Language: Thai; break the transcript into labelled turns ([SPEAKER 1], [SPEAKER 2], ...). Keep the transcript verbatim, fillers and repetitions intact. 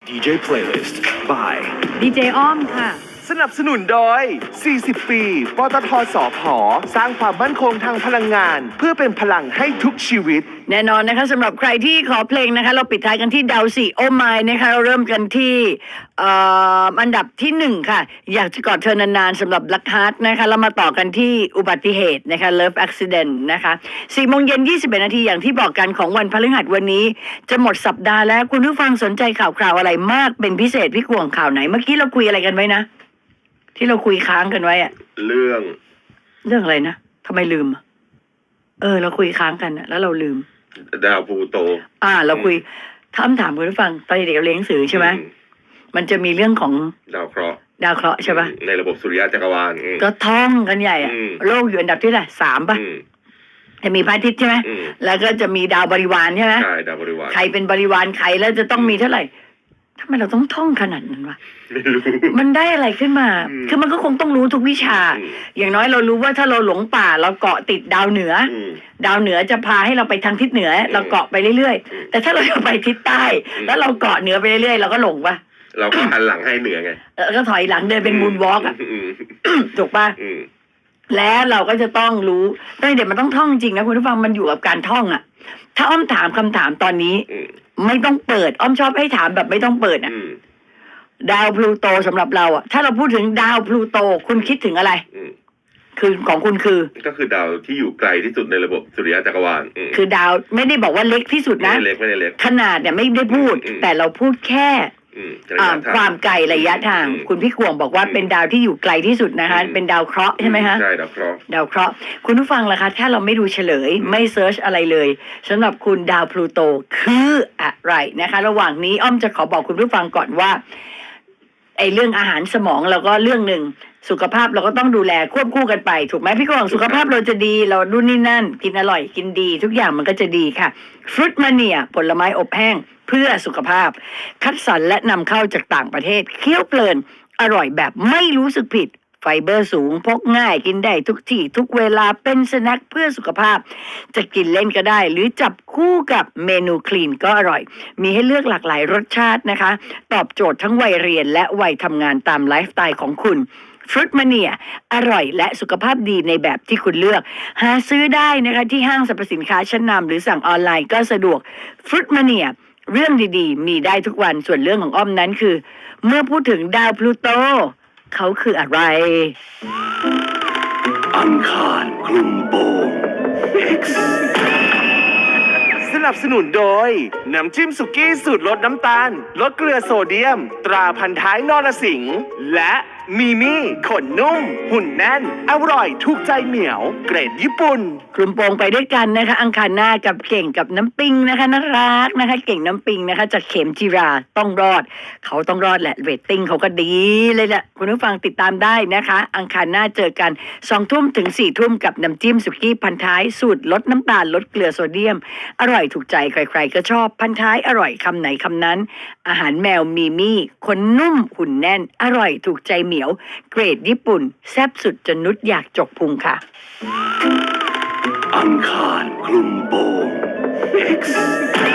[SPEAKER 1] ดี เจ Playlist by
[SPEAKER 2] ดีเจอ้อมค่ะ
[SPEAKER 3] สนับสนุนโดย สี่สิบ ปี ปตท สผ สร้างความมั่นคงทางพลังงานเพื่อเป็นพลังให้ทุกชีวิต
[SPEAKER 2] แน่นอนนะคะสำหรับใครที่ขอเพลงนะคะเราปิดท้ายกันที่ดาวสี่โอไมล์นะคะเราเริ่มกันที่เอ่ออันดับที่หนึ่งค่ะอยากจะกอดเธอนานๆสำหรับ Black Heart นะคะแล้วมาต่อกันที่อุบัติเหตุนะคะ Love Accident นะคะสี่โมงเย็นยี่สิบเอ็ดนาทีอย่างที่บอกกันของวันพฤหัสวันนี้จะหมดสัปดาห์แล้วคุณผู้ฟังสนใจข่าวคราวอะไรมากเป็นพิเศษพี่กวงข่าวไหนเมื่อกี้เราคุยอะไรกันไว้นะที่เราคุยค้างกันไว้อะ
[SPEAKER 4] เรื่อง
[SPEAKER 2] เรื่องอะไรนะทำไมลืมเออเราคุยค้างกันแล้วเราลืม
[SPEAKER 4] ดาวพลูโต
[SPEAKER 2] อ่าเราคุยถามถามคุณผู้ฟังตอนเด็กเราเรียนหนังสือใช่ไหมมันจะมีเรื่องของ
[SPEAKER 4] ดาวเคราะห์
[SPEAKER 2] ดาวเคราะห์ใช่ปะ
[SPEAKER 4] ในระบบสุริยะจักรวาล
[SPEAKER 2] ก็ท่องกันใหญ่อะโลกอยู่อันดับที่เท่าไหร่สามปะจะมีพระอาทิตย์ใช่ไหมแล้วก็จะมีดาวบริวารใช่ไหม
[SPEAKER 4] ใช่ดาวบริวาร
[SPEAKER 2] ใครเป็นบริวารใครแล้วจะต้องมีเท่าไหร่ทำไมเราต้องท่องขนาดนั้นวะ
[SPEAKER 4] ไม่รู้
[SPEAKER 2] มันได้อะไรขึ้นมาคือมันก็คงต้องรู้ทุกวิชาอย่างน้อยเรารู้ว่าถ้าเราหลงป่าเราเกาะติดดาวเหนือดาวเหนือจะพาให้เราไปทางทิศเหนือเราเกาะไปเรื่อยๆแต่ถ้าเราจะไปทิศใต้แล้วเราเกาะเหนือไปเรื่อยๆเราก็หลงปะ
[SPEAKER 4] เราก็หันหลังให้เหนือไง
[SPEAKER 2] แล้วก็ถอยหลังเดินเป็นมูนวอล์กอ่ะถูกปะแล้วเราก็จะต้องรู้ตั้งแต่มันต้องท่องจริงนะคุณผู้ฟังมันอยู่กับการท่องอ่ะถ้าอ้อมถามคำถามตอนนี้ไม่ต้องเปิดอ้อมชอบให้ถามแบบไม่ต้องเปิดอ่ะดาวพลูโตสำหรับเราอ่ะถ้าเราพูดถึงดาวพลูโตคุณคิดถึงอะไรคือของคุณคือ
[SPEAKER 4] ก็คือดาวที่อยู่ไกลที่สุดในระบบสุริยะจักรวาล
[SPEAKER 2] คือดาวไม่ได้บอกว่าเล็กที่สุดนะ
[SPEAKER 4] ไม่เล็กไม่ได้เล็ก
[SPEAKER 2] ขนาดเนี่ยไม่ได้พูดแต่เราพูดแค่ความไกลระยะทางคุณพี่กวงบอกว่าเป็นดาวที่อยู่ไกลที่สุดนะคะเป็นดาวเคราะห์ใช่ไหมคะ
[SPEAKER 4] ใช่ดาวเคราะห์
[SPEAKER 2] ดาวเคราะห์คุณผู้ฟังล่ะคะถ้าเราไม่ดูเฉลยไม่เซิร์ชอะไรเลยสำหรับคุณดาวพลูโตคืออะไรนะคะระหว่างนี้อ้อมจะขอบอกคุณผู้ฟังก่อนว่าไอ้เรื่องอาหารสมองเราก็เรื่องหนึ่งสุขภาพเราก็ต้องดูแลควบคู่กันไปถูกไหมพี่กวางสุขภาพเราจะดีเราดูนี่นั่นกินอร่อยกินดีทุกอย่างมันก็จะดีค่ะฟรุตมาเนียผลไม้อบแห้งเพื่อสุขภาพคัดสรรและนำเข้าจากต่างประเทศเคี้ยวเพลินอร่อยแบบไม่รู้สึกผิดไฟเบอร์สูงพกง่ายกินได้ทุกที่ทุกเวลาเป็นสแน็คเพื่อสุขภาพจะกินเล่นก็ได้หรือจับคู่กับเมนูคลีนก็อร่อยมีให้เลือกหลากหลายรสชาตินะคะตอบโจทย์ทั้งวัยเรียนและวัยทำงานตามไลฟ์สไตล์ของคุณฟรุตมาเนียอร่อยและสุขภาพดีในแบบที่คุณเลือกหาซื้อได้นะคะที่ห้างสรรพสินค้าชั้นนำหรือสั่งออนไลน์ก็สะดวกฟรุตมาเนียเรื่องดีๆมีได้ทุกวันส่วนเรื่องของอ้อมนั้นคือเมื่อพูดถึงดาวพลูโตเขาคืออะไร
[SPEAKER 1] อังคารคลุมโปง X
[SPEAKER 3] สนับสนุนโดยน้ำจิ้มสุกี้สูตรลดน้ำตาลลดเกลือโซเดียมตราพันท้ายนรสิงห์และมีมี่ขนนุ่มหุ่นแน่นอร่อยถูกใจเหมียวเกรดญี่ปุ่น
[SPEAKER 2] กลุ่มโปงไปด้วยกันนะคะอังคารหน้ากับเก่งกับน้ำปิงนะคะน่ารักนะคะเก่งน้ำปิงนะคะจากเข็มจีราต้องรอดเขาต้องรอดแหละเรตติ้งเขาก็ดีเลยแหละคุณผู้ฟังติดตามได้นะคะอังคารหน้าเจอกันสองทุ่มถึงสี่ทุ่มกับน้ำจิ้มสุกี้พันท้ายสูตรลดน้ำตาลลดเกลือโซเดียมอร่อยถูกใจใครๆก็ชอบพันท้ายอร่อยคำไหนคำนั้นอาหารแมวมีมี่คนนุ่มหุ่นแน่นอร่อยถูกใจเหมียวเกรดญี่ปุ่นแซ่บสุดจนนุชอยากจกพุงค่ะ
[SPEAKER 1] อังคารคลุมโปง X